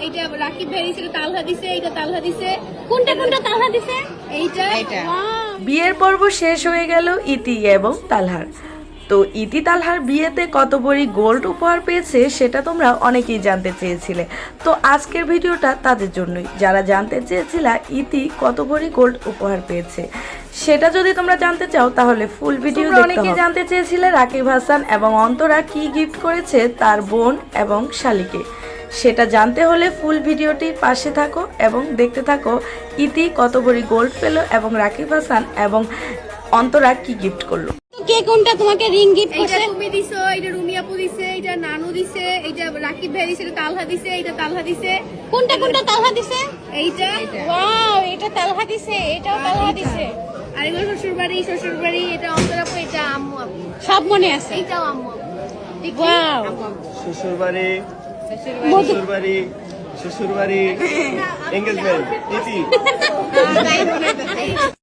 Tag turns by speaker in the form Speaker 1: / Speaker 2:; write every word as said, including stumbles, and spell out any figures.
Speaker 1: এইটা রাকিব ভাই দিছে, তালহা দিছে, এইটা তালহা দিছে।
Speaker 2: কোনটা কোনটা তালহা দিছে?
Speaker 1: এইটা
Speaker 3: বিয়ের পর্ব শেষ হয়ে গেল ইতি এবং তালহার। তো ইতি তালহার বিয়েতে কত ভরি গোল্ড উপহার পেয়েছে সেটা তোমরা অনেকেই জানতে চেয়েছিলে। তো আজকের ভিডিওটা তাদের জন্যই, যারা জানতে চেয়েছিলা ইতি কত ভরি গোল্ড উপহার পেয়েছে। সেটা যদি তোমরা জানতে চাও তাহলে ফুল ভিডিও দেখতে হবে। অনেকেই জানতে চেয়েছিলে রাকিব হাসান এবং অন্তরা কি গিফট করেছে তার বোন এবং শালিকে। সেটা জানতে হলে ফুল ভিডিওটি পাশে থাকো এবং দেখতে থাকো ইতি কত ভরি গোল্ড পেল এবং রাকিব হাসান এবং অন্তরা কি গিফট করলো।
Speaker 2: কে কোনটা তোমাকে রিং গিফট
Speaker 1: এইটা
Speaker 2: করছে?
Speaker 1: তুমি দিছো, এইটা রুমি আপু দিছে, এইটা নানু দিছে, এইটা রাকিব ভাই দিছে, তালহা দিছে, এইটা তালহা দিছে।
Speaker 2: কোনটা কোনটা তালহা দিছে?
Speaker 1: এইটা
Speaker 2: ওয়াও, এটা তালহা দিছে, এটাও তালহা দিছে।
Speaker 1: আর এগুলো শ্বশুর বাড়ি, শ্বশুর বাড়ি, এটা অন্তরা আপু, এটা আম্মু আপু,
Speaker 2: সব মনে আছে।
Speaker 1: এইটাও আম্মু আপু।
Speaker 2: ওয়াও,
Speaker 4: শ্বশুর বাড়ি, শ্বশুর বাড়ি, শ্বশুর বাড়ি, এঙ্গেজমেন্ট, ইতি।